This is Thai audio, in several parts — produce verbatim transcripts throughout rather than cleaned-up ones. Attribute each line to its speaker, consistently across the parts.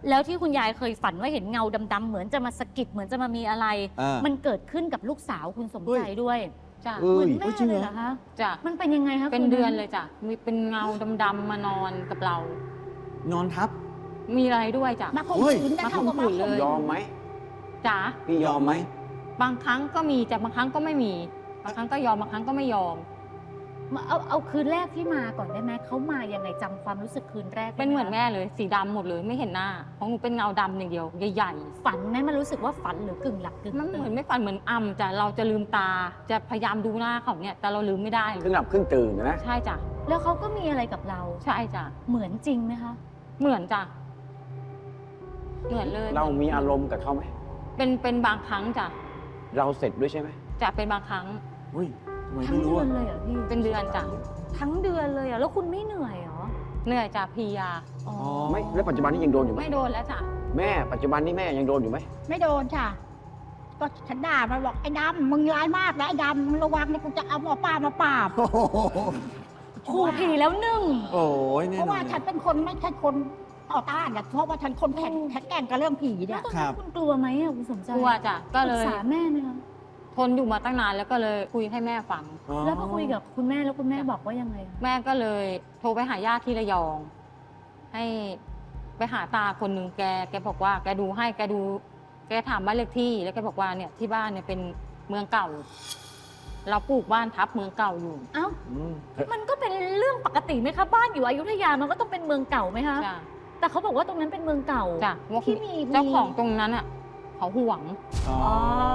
Speaker 1: แล้วที่คุณยายเคยฝันว่าเห็นเงาดำๆเหมือนจะมาสะกิดเหมือนจะมามีอะไร มันเกิดขึ้นกับลูกสาวคุณสมใจด้วย
Speaker 2: จ้ะ
Speaker 1: เหมือนแม่เลยเหรอคะ
Speaker 2: จ้ะ
Speaker 1: มันเป็นยังไงคะ
Speaker 2: เป็นเดือนเลยจ้ะมีเป็นเงาดำๆมานอนกับเรา
Speaker 3: นอนทับ
Speaker 2: มีอะไรด้วยจ้ะ
Speaker 4: มาข่มขืนนะ
Speaker 2: มาข่มขืนเลย
Speaker 5: ยอมไหม
Speaker 2: จ๋า
Speaker 5: พี่ยอมไหม
Speaker 2: บางครั้งก็มีแต่บางครั้งก็ไม่มีบางครั้งก็ยอมบางครั้งก็ไม่ยอม
Speaker 1: เอาเอาคืนแรกที่มาก่อนได้ไหมเขามายังไงจำความรู้สึกคืนแรก
Speaker 2: เป็นเหมือนแม่เลยสีดำหมดเลยไม่เห็นหน้าของหนูเป็นเงาดำอย่างเดียวใหญ่
Speaker 1: ๆฝันไหมมันรู้สึกว่าฝันหรือกึ่งหลับกึ่ง
Speaker 2: มันเหมือนไม่ฝันเหมือนอ่ำจ้ะเราจะลืมตาจะพยายามดูหน้าเขาเนี่ยแต่เราลืมไม่ได้
Speaker 5: ครึ่งหลับครึ่งตื่นนะ
Speaker 2: ใช่จ้ะ
Speaker 1: แล้วเขาก็มีอะไรกับเรา
Speaker 2: ใช่จ้ะ
Speaker 1: เหมือนจริงไหมคะ
Speaker 2: เหมือนจ้ะเหมือนเลย
Speaker 5: เรามีอารมณ์กับเขาไหม
Speaker 2: เป็นเป็นบางครั้งจ้ะ
Speaker 5: เราเสร็จด้วยใช่ไหม
Speaker 2: จะเป็นบางครั้ง
Speaker 3: อุ้ยทำไม
Speaker 1: ทั้ง
Speaker 3: ไม่รู้
Speaker 1: เดือ
Speaker 3: อะ
Speaker 1: นเลยเหรอพี่
Speaker 2: เป็นเดือนจ้ะ
Speaker 1: ทั้งเดือนเลยเหรอแล้วคุณไม่เหนื่อยเหรอ
Speaker 2: เหนื่อยจ้ะพียา
Speaker 1: อ๋อ
Speaker 5: ไม่แล้วปัจจุบันนี้ยังโดนอยู่ไหม
Speaker 2: ไม่โดนแล้วจ้ะ
Speaker 5: แม่ปัจจุบันนี้แม่ยังโดนอยู่ไหม
Speaker 4: ไม่โดนจ้ะก็ฉันด่ามันบอกไอ้ดำมึงร้ายมากนะไอ้ดำมึงระวังนะกูจะเอาหมอป้ามาปราบ
Speaker 1: ขู่ผีแล้วหนึ่ง
Speaker 3: โอ้ย
Speaker 4: เพราะว่าฉันเป็นคนไม่ใช่คนต่อต้านอะเพราะว่าฉันคนแข็งแข็งแกร่งกับเรื่องผีเนี่ย
Speaker 1: ตอนนั้นคุณกลัวไหมอะคุณสมใจ
Speaker 2: กลัวจ้ะก็เลย
Speaker 1: ปรึกษาแม่ไหมคะ
Speaker 2: ทนอยู่มาตั้งนานแล้วก็เลยคุยให้แม่ฟัง
Speaker 1: แล้วพอคุยกับคุณแม่แล้วคุณแม่บอกว่ายังไง
Speaker 2: แม่ก็เลยโทรไปหาญาติที่ระยองให้ไปหาตาคนหนึ่งแกแกบอกว่าแกดูให้แกดูแกถามบ้านเลขที่แล้วแกบอกว่าเนี่ยที่บ้านเนี่ยเป็นเมืองเก่าเราปลูกบ้านทับเมืองเก่าอยู่
Speaker 1: เอ้ามันก็เป็นเรื่องปกติไหมคะบ้านอยู่อยุธยามันก็ต้องเป็นเมืองเก่าไหมคะแต่เขาบอกว่าตรงนั้นเป็นเมืองเก่า
Speaker 2: จ้ะ
Speaker 1: ที่มี
Speaker 2: เจ้าของตรงนั้นอ่ะเขาห่วง
Speaker 1: อ๋อ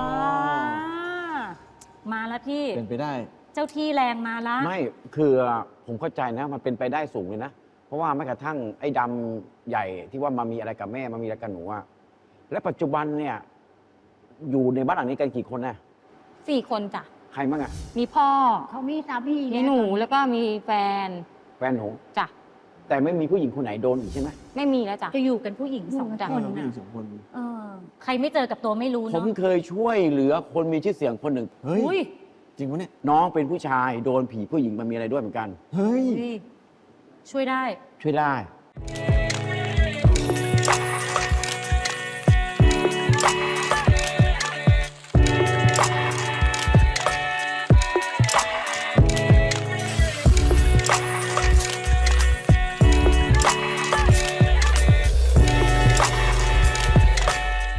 Speaker 1: มาแล้วพี่
Speaker 3: เป็นไปได้
Speaker 1: เจ้าที่แรงมาแล้ว
Speaker 5: ไม่คือผมเข้าใจนะมันเป็นไปได้สูงเลยนะเพราะว่าแม้กระทั่งไอ้ดำใหญ่ที่ว่ามามีอะไรกับแม่มามีอะไรกับหนูอะและปัจจุบันเนี่ยอยู่ในบ้านหลังนี้กันกี่คนนะ
Speaker 2: สี่คนจ้ะ
Speaker 5: ใครบ้างอะ
Speaker 2: มีพ่อ
Speaker 4: เขามีสามี
Speaker 2: มีหนูแล้วก็มีแฟน
Speaker 5: แฟนหนู
Speaker 2: จ้ะ
Speaker 5: แต่ไม่มีผู้หญิงคนไหนโดนอีกใช่ไหม
Speaker 2: ไม่มีแล้วจ้ะ
Speaker 1: จะอยู่กันผู้หญิงสองคน
Speaker 3: ผู้หญิงสองคน
Speaker 1: เออใครไม่เจอกับตัวไม่รู้
Speaker 5: ผ
Speaker 1: เนาะ
Speaker 5: มเคยช่วยเหลือคนมีชื่อเสียงคนหนึ่ง
Speaker 3: เฮ้ยจริงปะเนี่ย
Speaker 5: น้องเป็นผู้ชายโดนผีผู้หญิงมามีอะไรด้วยเหมือนกัน
Speaker 3: เฮ้ย
Speaker 1: ช่วยได้
Speaker 5: ช่วยได้